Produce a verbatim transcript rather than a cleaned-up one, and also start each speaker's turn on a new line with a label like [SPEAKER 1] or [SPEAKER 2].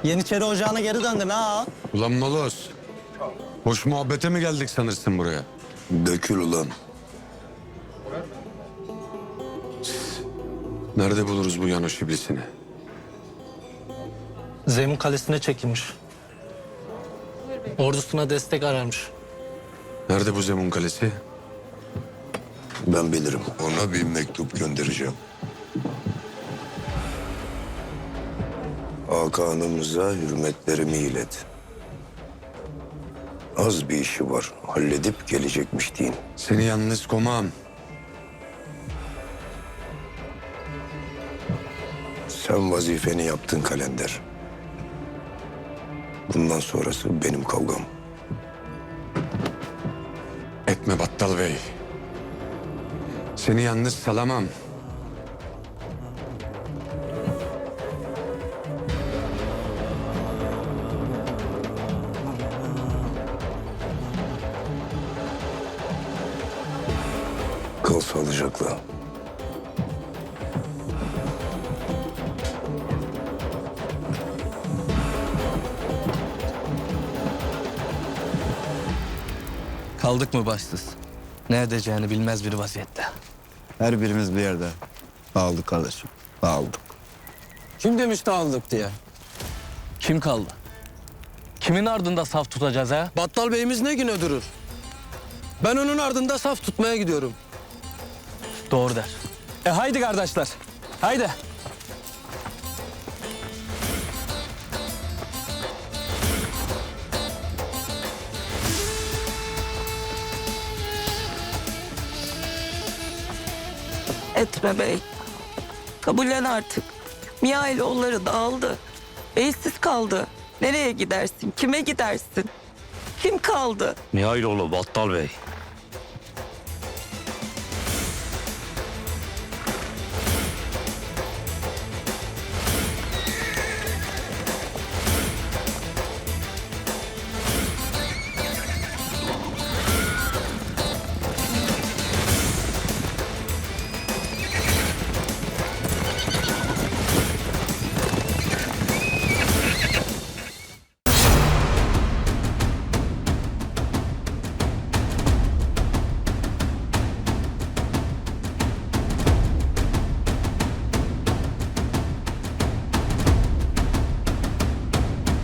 [SPEAKER 1] Yeniçeri Ocağı'na geri döndün ha.
[SPEAKER 2] Ulan Moloz. Hoş muhabbete mi geldik sanırsın buraya?
[SPEAKER 3] Dökül ulan.
[SPEAKER 2] Nerede buluruz bu Yanoş iblisini?
[SPEAKER 1] Zemun Kalesi'ne çekilmiş. Ordusuna destek ararmış.
[SPEAKER 2] Nerede bu Zemun Kalesi?
[SPEAKER 3] Ben bilirim. Ona bir mektup göndereceğim. Hakan'ımıza hürmetlerimi ilet. Az bir işi var. Halledip gelecekmiş deyin.
[SPEAKER 2] Seni yalnız komam.
[SPEAKER 3] Sen vazifeni yaptın Kalender. Bundan sonrası benim kavgam.
[SPEAKER 2] Etme Battal Bey. Seni yalnız salamam.
[SPEAKER 3] Kal sağlıcakla.
[SPEAKER 4] Kaldık mı başsız? Ne edeceğini bilmez bir vaziyette.
[SPEAKER 5] Her birimiz bir yerde. Dağıldık kardeşim. Dağıldık.
[SPEAKER 4] Kim demiş dağıldık diye? Kim kaldı? Kimin ardında saf tutacağız ha?
[SPEAKER 6] Battal Bey'imiz ne güne durur? Ben onun ardında saf tutmaya gidiyorum.
[SPEAKER 4] Doğru der.
[SPEAKER 6] E haydi kardeşler, haydi.
[SPEAKER 7] Etme bey. Kabullen artık. Mihailoğulları dağıldı. Beysiz kaldı. Nereye gidersin? Kime gidersin? Kim kaldı?
[SPEAKER 8] Mihailoğlu Battal Bey.